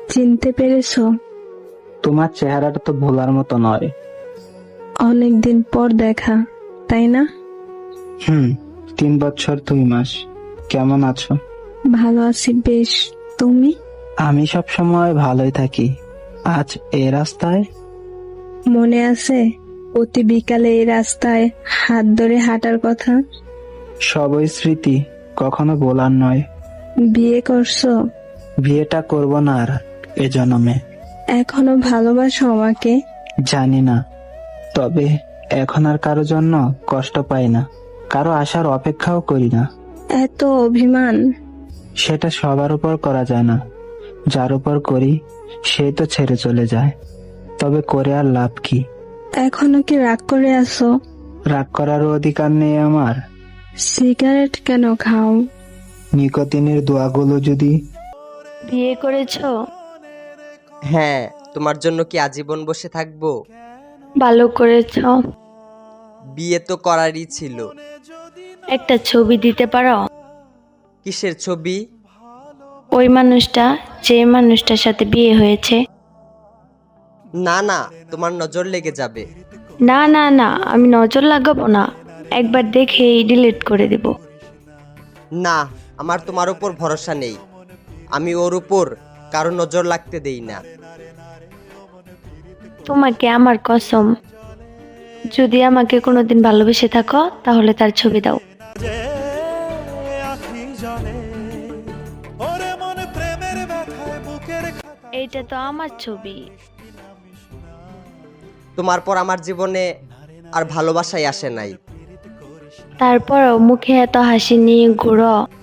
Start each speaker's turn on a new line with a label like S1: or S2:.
S1: চিনতে পেরেছো?
S2: তোমার চেহারাটা তো ভোলার মতো নয়।
S1: অনেকদিন পর দেখা, তাই না?
S2: 3 বছর 2 মাস। কেমন আছো?
S1: ভালো আছি বেশ। তুমি?
S2: আমি সব সময় ভালোই থাকি। আজ এই রাস্তায়
S1: মনে আছে প্রতি বিকালে এই রাস্তায় হাত ধরে হাঁটার কথা?
S2: সবই স্মৃতি, কখনো বলার নয়।
S1: বিয়ে করছো?
S2: বিয়েটা করব না আর এ জন্মে।
S1: এখনো ভালোবাসো আমাকে?
S2: জানি না, তবে এখন আর কারো জন্য কষ্ট পাই না, কারো আসার অপেক্ষাও করি না।
S1: এত অভিমান?
S2: সেটা সবার উপর করা যায় না, যার উপর করি সেই তো ছেড়ে চলে যায়। তবে করে আর লাভ কি?
S1: এখনো কি রাগ করে আছো?
S2: রাগ করারও অধিকার নেই আমার।
S1: সিগারেট কেন খাও?
S2: নিকোতিনের দোয়াগুলো যদি।
S1: বিয়ে করেছো?
S3: হ্যাঁ, তোমার জন্য কি আজীবন বসে থাকবো?
S1: ভালো করেছো।
S3: বিয়ে তো করারই ছিল।
S1: একটা ছবি দিতে পারো?
S3: কিসের ছবি?
S1: ওই মানুষটা, যে মানুষটার সাথে বিয়ে হয়েছে।
S3: না না, তোমার নজর লেগে যাবে।
S1: না না না, আমি নজর লাগাবো না, একবার দেখেই ডিলিট করে দেব।
S3: না, আমার তোমার উপর ভরসা নেই। আমি ওর উপর কারো নজর লাগতে দেই না।
S1: তোমাকে আমার কসম, যদি আমাকে কোনোদিন ভালোবেসে থাকো তাহলে তার ছবি দাও। এইটা তো আমার ছবি।
S3: তোমার পর আমার জীবনে আর ভালোবাসাই আসে নাই।
S1: তারপরও মুখে এত হাসি নিয়ে ঘুরো।